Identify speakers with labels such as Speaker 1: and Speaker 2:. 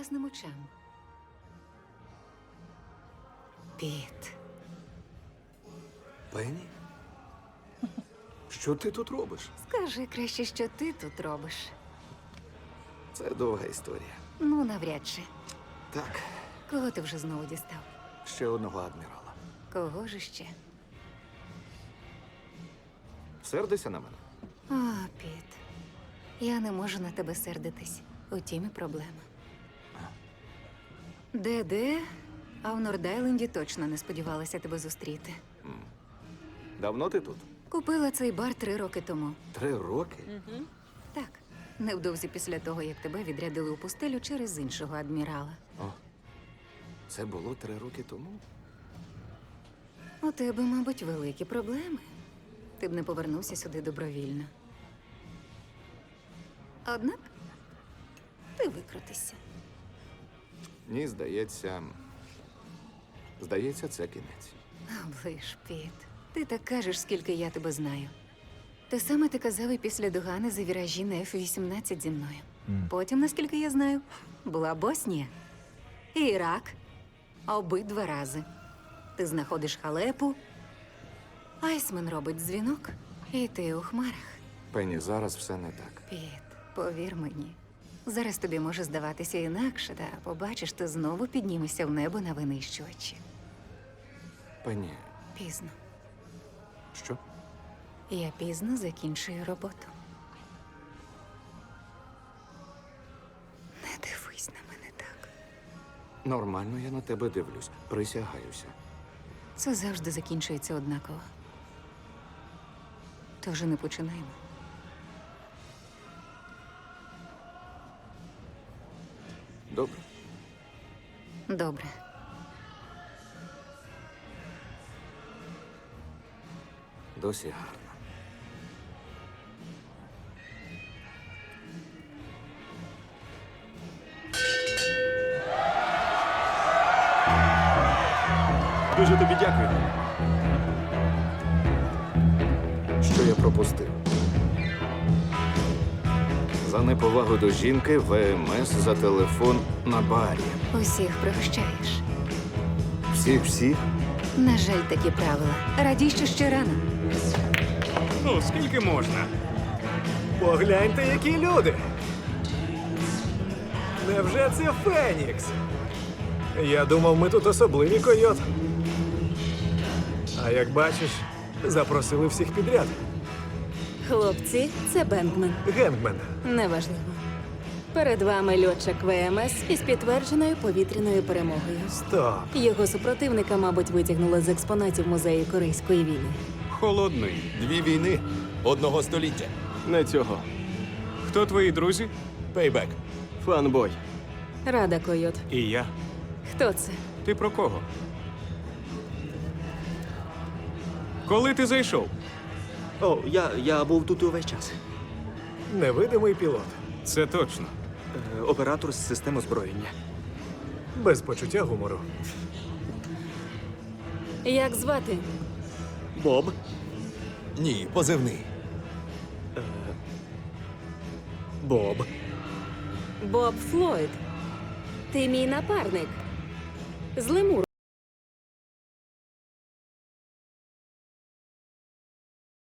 Speaker 1: класним очам. Піт.
Speaker 2: Пенні? Що ти тут робиш?
Speaker 1: Скажи краще, що ти тут робиш.
Speaker 2: Це довга історія.
Speaker 1: Ну, навряд чи.
Speaker 2: Так,
Speaker 1: Кого ти вже знову дістав?
Speaker 2: ще одного адмірала.
Speaker 1: Кого ж іще?
Speaker 2: Сердися на мене.
Speaker 1: О, Піт. Я не можу на тебе сердитись. У тім і проблема. Де-де, а в Нордайленді точно не сподівалася тебе зустріти.
Speaker 2: Давно ти тут?
Speaker 1: Купила цей бар 3 роки тому.
Speaker 2: 3 роки?
Speaker 1: Так, невдовзі після того, як тебе відрядили у пустелю через іншого адмірала.
Speaker 2: О, це було 3 роки тому?
Speaker 1: У тебе, мабуть, великі проблеми. Ти б не повернувся сюди добровільно. Однак ти викрутишся.
Speaker 2: Ні, здається, це кінець.
Speaker 1: Оближ, Піт. Ти так кажеш, скільки я тебе знаю. Те саме ти казав і після догани за віражі на F-18 зі мною. Потім, наскільки я знаю, була Боснія і Ірак. Обидва рази. Ти знаходиш халепу, Айсмен робить дзвінок, і ти у хмарах.
Speaker 2: Пенні, зараз все не так.
Speaker 1: Піт, повір мені. Зараз тобі може здаватися інакше, та побачиш, ти знову піднімешся в небо на винищувачі.
Speaker 2: Пенні,
Speaker 1: Пізно.
Speaker 2: що?
Speaker 1: Я пізно закінчую роботу. Не дивись на мене так.
Speaker 2: Нормально я на тебе дивлюсь. Присягаюся.
Speaker 1: Це завжди закінчується однаково. Тож не починаємо.
Speaker 2: Добре.
Speaker 1: Добре.
Speaker 2: Досі гарно.
Speaker 3: Дуже тобі дякую.
Speaker 2: Що я пропустив? За неповагу до жінки ВМС за телефон на барі.
Speaker 1: Усіх пригощаєш.
Speaker 2: Всіх?
Speaker 1: На жаль, такі правила. Радій, що ще рано.
Speaker 3: Ну, скільки можна? Погляньте, які люди. Невже це Фенікс? Я думав, ми тут особливі, койот. А як бачиш, запросили всіх підряд.
Speaker 4: Хлопці, це Бенгмен.
Speaker 3: Генгмен.
Speaker 4: Неважливо. Перед вами льотчик ВМС із підтвердженою повітряною перемогою.
Speaker 3: Стоп.
Speaker 4: Його супротивника, мабуть, витягнули з експонатів музею Корейської війни.
Speaker 5: Холодний.
Speaker 6: 2 війни одного століття.
Speaker 5: Не цього. Хто твої друзі?
Speaker 6: Пейбек.
Speaker 5: Фанбой.
Speaker 4: Рада, койот.
Speaker 5: І я.
Speaker 4: Хто це?
Speaker 5: Ти про кого? Коли ти зайшов?
Speaker 7: О, я був тут увесь час.
Speaker 3: Невидимий пілот.
Speaker 5: Це точно.
Speaker 7: Оператор з систем озброєння.
Speaker 3: Без почуття гумору.
Speaker 4: Як звати?
Speaker 7: Боб.
Speaker 6: Ні, позивний.
Speaker 7: Боб.
Speaker 4: Боб Флойд. Ти мій напарник. З лемуру.